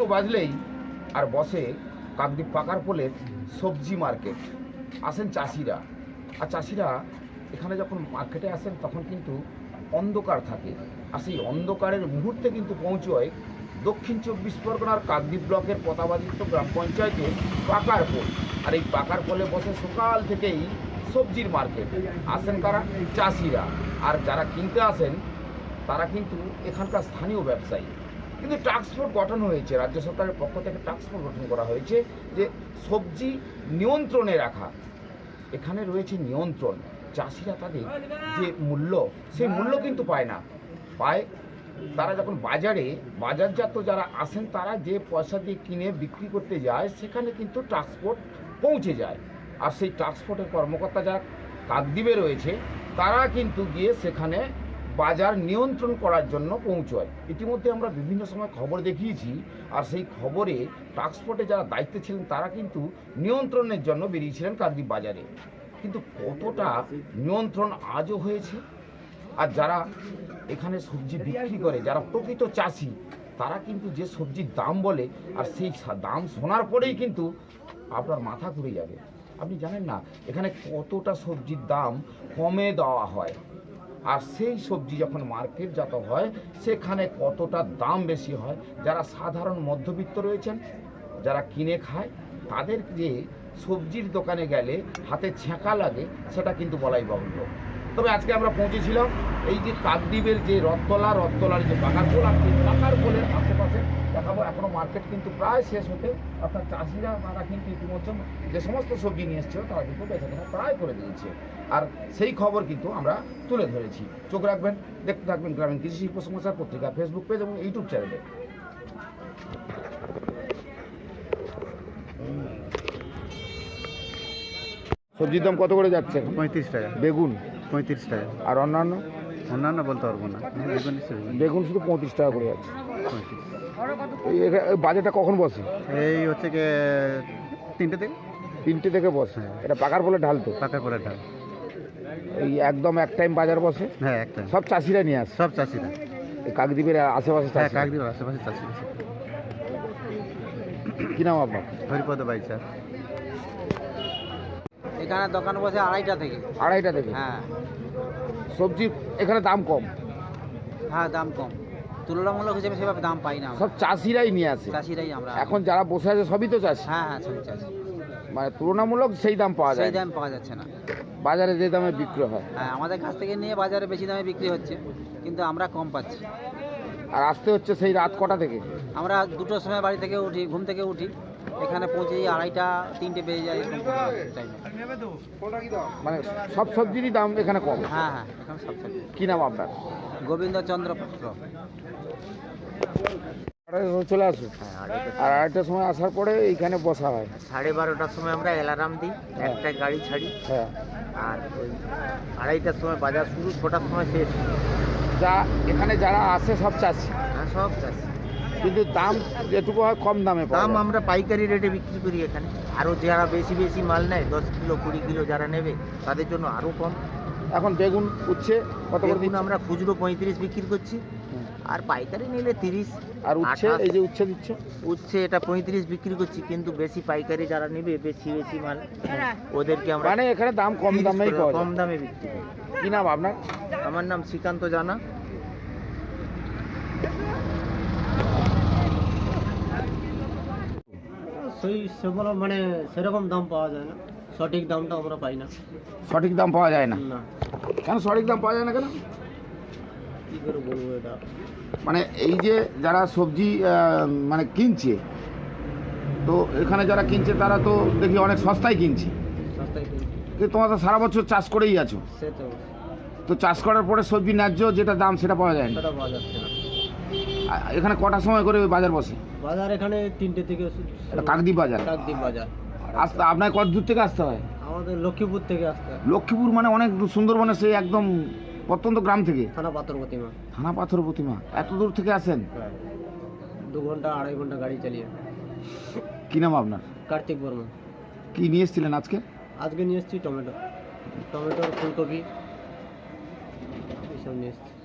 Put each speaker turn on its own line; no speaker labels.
বাজলেই আর বসে কাকদ্বীপ পাকার পোলের সবজি মার্কেট। আসেন চাষিরা, আর চাষিরা এখানে যখন মার্কেটে আসেন তখন কিন্তু অন্ধকার থাকে, আর সেই অন্ধকারের মুহূর্তে কিন্তু পৌঁছয় দক্ষিণ 24 পরগনার কাকদ্বীপ ব্লকের পতাবাদিত্য গ্রাম পঞ্চায়েতের পাকার পোল। আর এই পাকার পোলে বসে সকাল থেকেই সবজির মার্কেট। আসেন কারা? চাষিরা। আর যারা কিনতে আসেন তারা কিন্তু এখানকার স্থানীয় ব্যবসায়ী। কিন্তু টাস্ক ফোর্স গঠন হয়েছে, রাজ্য সরকারের পক্ষ থেকে টাস্ক ফোর্স গঠন করা হয়েছে যে সবজি নিয়ন্ত্রণে রাখা। এখানে রয়েছে নিয়ন্ত্রণ। চাষিরা তাদের যে মূল্য, সেই মূল্য কিন্তু পায় না, পায় তারা যখন বাজারজাত যারা আসেন তারা যে পয়সা দিয়ে কিনে বিক্রি করতে যায় সেখানে কিন্তু ট্রান্সপোর্ট পৌঁছে যায়। আর সেই ট্রান্সপোর্টের কর্মকর্তা যারা কাকদ্বীপে রয়েছে তারা কিন্তু গিয়ে সেখানে বাজার নিয়ন্ত্রণ করার জন্য পৌঁছয়। ইতিমধ্যে আমরা বিভিন্ন সময় খবর দেখিয়েছি, আর সেই খবরে ট্রান্সপোর্টে যারা দায়িত্বে ছিলেন তারা কিন্তু নিয়ন্ত্রণের জন্য বেরিয়েছিলেন কাকদ্বীপ বাজারে। কিন্তু কতটা নিয়ন্ত্রণ আজও হয়েছে? আর যারা এখানে সবজি বিক্রি করে, যারা প্রকৃত চাষি, তারা কিন্তু যে সবজির দাম বলে, আর সেই দাম শোনার পরেই কিন্তু আপনার মাথা ঘুরে যাবে। আপনি জানেন না এখানে কতটা সবজির দাম কমে দেওয়া হয়, আর সেই সবজি যখন মার্কেটজাত হয় সেখানে কতটা দাম বেশি হয়। যারা সাধারণ মধ্যবিত্ত রয়েছেন, যারা কিনে খায়, তাদের যে সবজির দোকানে গেলে হাতে ছ্যাঁকা লাগে সেটা কিন্তু বলাই বাহুল্য। তবে আজকে আমরা পৌঁছেছিলাম এই যে কাকদ্বীপের যে রথতলার যে পাকার পোল, আর সেই পাকার পোলের আশেপাশে দেখাবো। এখনও মার্কেট কিন্তু প্রায় শেষ হতে, অর্থাৎ চাষিরা তারা কিন্তু ইতিমধ্যে যে সমস্ত সবজি নিয়ে এসছে তারা কিন্তু বেচাকেনা প্রায় করে দিয়েছে, আর সেই খবর কিন্তু আমরা তুলে ধরেছি। চোখ রাখবেন, দেখতে থাকবেন গ্রামীণ কৃষি শিল্প সমাচার পত্রিকা ফেসবুক পেজ এবং ইউটিউব চ্যানেলে। সবজির দাম কত করে যাচ্ছে?
35 টাকা।
বেগুন
35 টাকা।
আর অন্যান্য
বলতে পারবো না।
বেগুন শুধু 35 টাকা করে যাচ্ছে। এই বাজারটা কখন বসে?
এই হচ্ছে কি 3টে থেকে
বসে। এটা পাকার পোলের ঢাল তো?
পাকার পোলের ঢাল।
এই একদম এক টাইম বাজার বসে?
হ্যাঁ, এক টাইম।
সব চাষিরা নিয়ে আসে?
সব চাষিরা।
এই কাকদ্বীপের আশেপাশে?
হ্যাঁ, কাকদ্বীপের আশেপাশে চাষি।
কি নাম আপনার?
হরিপদ বাইচা।
এখানে দোকান বসে 2:30টা থেকে।
2:30টা থেকে?
হ্যাঁ।
সবজি এখানে দাম কম?
হ্যাঁ, দাম কম, তুলনামূলক হিসেবে সেভাবে দাম পাই না।
সব চাষিরাই নিয়ে আসে?
চাষিরাই আমরা।
এখন যারা বসে আছে সবই তো চাষি?
হ্যাঁ হ্যাঁ, সবই চাষি।
মানে তুলনামূলক সেই দাম পাওয়া যায়?
সেই দাম পাওয়া যাচ্ছে না
বাজারে যে দামে বিক্রি হয়।
হ্যাঁ, আমাদের কাছ থেকে নিয়ে বাজারে বেশি দামে বিক্রি হচ্ছে, কিন্তু আমরা কম পাচ্ছি।
আর আসতে হচ্ছে সেই রাত কটা থেকে?
আমরা 2টোর সময় বাড়ি থেকে উঠি, ঘুম থেকে উঠি, এখানে পৌঁছে 2:30টা 3টে বেজে যায় টাইম।
মানে সব সবজিরই দাম এখানে কম?
হ্যাঁ হ্যাঁ, এখানে সব সবজি।
কি নাম আপনার?
গোবিন্দচন্দ্র পাত্র।
চলে আসুন। আর 2:30টার সময় আসার পরে এইখানে বসা হয়?
12:30টার সময় আমরা অ্যালার্ম দিই, একটা গাড়ি ছাড়ি।
হ্যাঁ।
আর ওই 2:30টার সময় বাজার শুরু, 6টার সময় শেষ।
যা এখানে যারা আসে সব চাষি?
হ্যাঁ, সব চাষি।
কিন্তু দাম যেটুকু হয় কম দামে পাওয়া
দাম
যায়।
আমরা পাইকারি রেটে বিক্রি করি এখানে। আরও যারা বেশি মাল নেয়, 10 কিলো 20 কিলো যারা নেবে তাদের জন্য আরও কম।
এখন বেগুন উচ্ছে কত করে দিচ্ছেন?
আমরা খুচরো 35 বিক্রি করছি, আর পাইকারি নিলে 30।
আর উচ্ছে, এই যে উচ্ছে দিচ্ছে?
উচ্ছে এটা 35 বিক্রি করছি, কিন্তু বেশি পাইকারি যারা নেবে বেশি মাল, ওদেরকে আমরা
মানে এখানে দাম কম দামেই পাওয়া যায়?
কম দামে বিক্রি করি।
কি নাম আপনার?
আমার নাম শ্রীকান্ত জানা।
সেগুলো মানে সেরকম দাম পাওয়া যায় না, সঠিক দামটা আমরা পাই না।
সঠিক দাম পাওয়া যায় না?
না,
কেন সঠিক দাম পাওয়া যায় না কেন?
কী করে বলবো এটা?
মানে এই যে যারা সবজি মানে কিনছে, তো এখানে যারা কিনছে তারা তো দেখি অনেক সস্তায় কিনছে,
সস্তায় কিনছি।
কিন্তু তোমরা তো সারা বছর চাষ করেই আছো,
সে
তো চাষ করার পরে সবজি ন্যায্য যেটা দাম সেটা পাওয়া যায় না।
সেটা পাওয়া যাচ্ছে না।
এখানে কটার সময় করে বাজার বসে?
বাজার এখানে 3টে থেকে।
কাকদ্বীপ বাজার?
কাকদ্বীপ বাজার।
আসতে আপনার কত দূর থেকে আসতে হয়?
আমাদের লক্ষ্মীপুর থেকে আসতে হয়।
লক্ষ্মীপুর মানে অনেক দূর, সুন্দরবনের সেই একদম প্রত্যন্ত গ্রাম থেকে?
থানা পাথর প্রতিমা।
থানা পাথর প্রতিমা? এত দূর থেকে আসেন?
2 ঘন্টা 2.5 ঘন্টা গাড়ি চালিয়ে।
কি নাম আপনার?
কার্তিক বর্মা।
কি নিয়ে এসেছিলেন আজকে?
আজকে নিয়ে এসেছি টমেটো, ফুলকপি, এইসব নিয়ে এসেছি।